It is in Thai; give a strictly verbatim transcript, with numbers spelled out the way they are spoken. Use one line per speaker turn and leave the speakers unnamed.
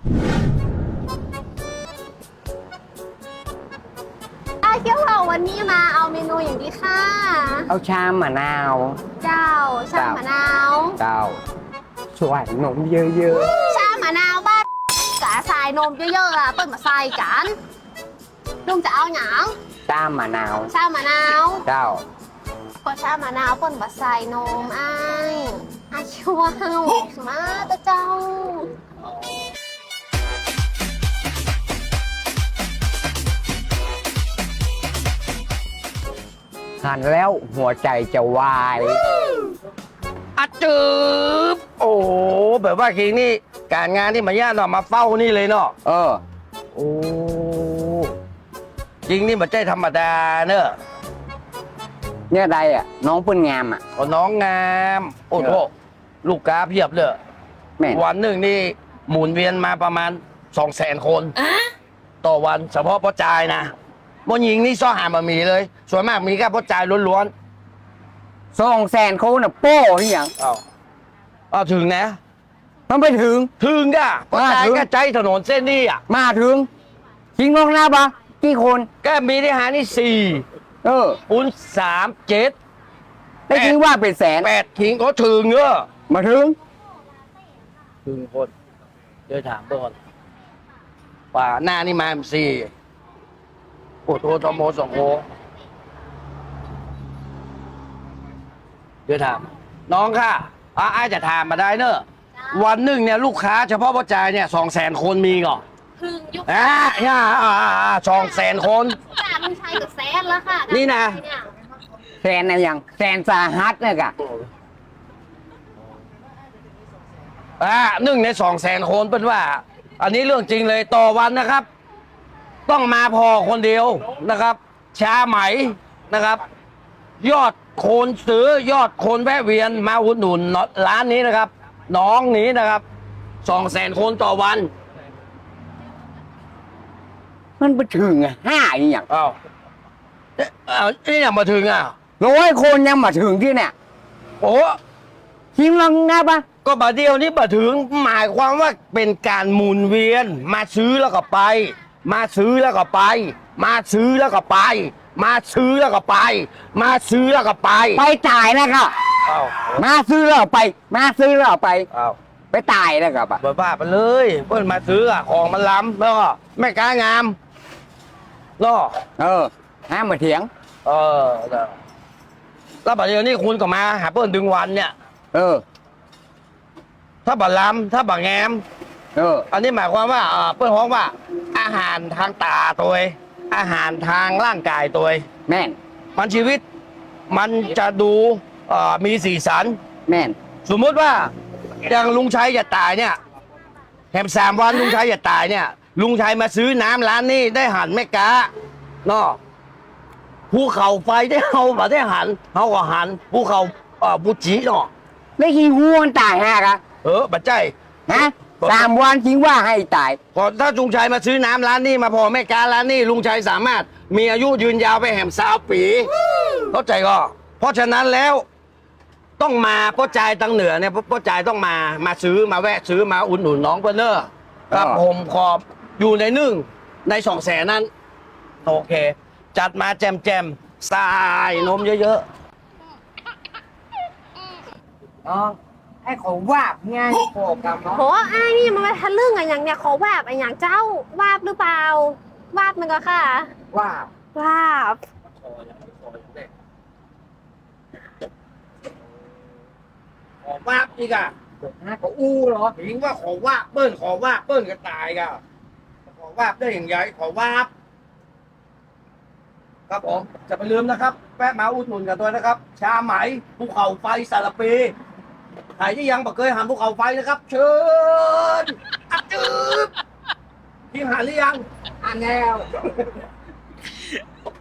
เที่ยวเราวันนี้มาเอาเมนูอย่างดีค่ะ
เอาชามะนาว
เจ้าชามะนาว
เจ้าสวยนมเยอะ
ๆชามะนาวบ้านกะใส่นมเยอะๆอ่ะเปิ้ลมาใส่กันลุงจะเอาหยัง
ชามะนาว
ชามะนาว
เจ้า
ก็ชามะนาวเปิ้ลมาใส่นมไอ้อาชัวเฮามาตะเจ้า
หันแล้วหัวใจจะวาย
อะจืบโอ้แบบว่าคิงนี่การงานที่มาญาติเนาะมาเฝ้านี่เลยเนาะ
เออ
โอ้จริงนี่มันใจธรรมดาเนอะ
เนี่ยใดอ่ะน้องเปิ้นงามอ่ะ
โอ้น้องงามโอ้โหลูกค้าเพียบเลยวันหนึ่งนี่หมุนเวียนมาประมาณสองแสนคนต่อวันเฉพาะพ่อจายนะมนหญิงนี่ซ่อหามามีเลยส่วนมากมีแค่พ่อจายล้วน
ๆสองแสนคนน่ะโป้ที่อย่าง
อ้าวอ้าวถึงนะ
มันไปถึง
ถึงก่ะพ่อจายก็ใจถนนเส้นนี้อ่ะ
มาถึงทิ้งลงหน้าปะกี่คน
ก็มีที่หานี่สี่
เออ
ปุ้นสามเจ็ด
ได้ทิ้งว่าเป็นแสน
แปดทิ้งก็ถึงเนอะ
มาถึง
ถึงคนเดี๋ยวถามก่อนป่าหน้านี่มาสี่โอ้โหตโมสองโอเดี๋ยวถามน้องค่ะอาไอจะถามมาได้เนอะวันหนึ่งเนี่ยลูกค้าเฉพาะประจายเนี่ยสองแสนคนมีก่อน
พึ่งยุค
อ่าอ่าอ่าสองแสนคน
จากลุงชัยกับแสนแล้วค่ะ
นี่นะ
แสนอะไรอย่างแสนสาหัสเนี่ยกะ
อ่าหนึ่งในสองแสนคนเป็นว่า อันนี้เรื่องจริงเลยต่อวันนะครับ ต้องมาพอคนเดียวนะครับชาไหมนะครับ ยอดคนซื้อยอดคนแวะเวียนมาอุดหนุนร้านนี้นะครับ น้องนี้นะครับสองแสนคนต่อวัน
มันไปถึงอ่ะห้าอย่าง
อ้าวนี่ยังมาถึงอ่ะ
ร้อยคนยังมาถึงที่เนี่ย
โอ้
ทิ้งลงง่ายปะ
ก็บาเดียวนี้มาถึงหมายความว่าเป็นการหมุนเวียนมาซื้อแล้วก็ไปมาซื้อแล้วก็ไปมาซื้อแล้วก็ไปมาซื้อแล้วก็ไปมาซื้อแล้วก็ไป
ไปจ่ายนะครับมาซื้อแล้วไปมาซื้อแล้วไปไปตายแล้วครับ
บ้าบ้าไปเลยเพื่อนมาซื้ออะของมันล้ำแล้วก็แม่ค้างามล่อ
เออห้ามมาเถียง
เออแล้วบัดเดี๋ยวนี้คุณก็มาหาเพื่อนดึงวันเนี่ย
เออ
ถ้าบัดล้ำถ้าบัดแงม
เออ
อันนี้หมายความว่าเพื่อนฮ้องว่าอาหารทางตาตัวอาหารทางร่างกายตัว
แม่น
มันชีวิตมันจะดูมีสีสัน
แม่น
สมมติว่าอย่างลุงชัยจะตายเนี่ยแถมสามวันลุงชัยจะตายเนี่ยลุงชัยมาซื้อน้ำร้านนี้ได้หันแม่กาเนาะภูเขาไฟได้เอามาได้หันเขาก็หันภูเขาบุจิเนาะ
ไม่คิดว่ามันตายฮะครับ
เออบัดใจ
ฮะสามวันคิดว่าให้ตาย
พอถ้าลุงชัยมาซื้อน้ำร้านนี้มาพอแม่การ้านนี้ลุงชัยสามารถมีอายุยืนยาวไปแหมสาวปีเข้าใจก็เพราะฉะนั้นแล้วต้องมาพ่อจ่ายตังเหนือเนี่ยพ่อจ่ายต้องมามาซื้อมาแวะซื้อมาอุ่นหนุนน้องเพื่อนเนอร์ครับผมขอบอยู่ในหนึ่งในสองแสนนั้นโอเคจัดมาแจมแจมสายนมเยอะ
ๆอ๋อไอ้ของวาบไงโผล่กับเนาะ
โหไอ้นี่มันมาทะลึ่งอะไรอย่างเนี่ยขอวาบอะไรอย่างเจ้าวาบหรือเปล่าวาบมันก็ค่ะ
วาบ
วาบ
ขอว่าอีกอ่ะ
ขออู้เหรอ
ถึงว่าขอว่าเปิ้ลขอว่าเปิ้ลก็ตายกันขอว่าได้อย่างไรขอว่าครับผมจะไปลืมนะครับแปะมาอุดหนุนกันตัวนะครับชาไหมภูเขาไฟสารปีใครที่ยังไม่เคยหันภูเขาไฟนะครับเชิญอัดจืบทีมหันหรือยัง
หันแล้ว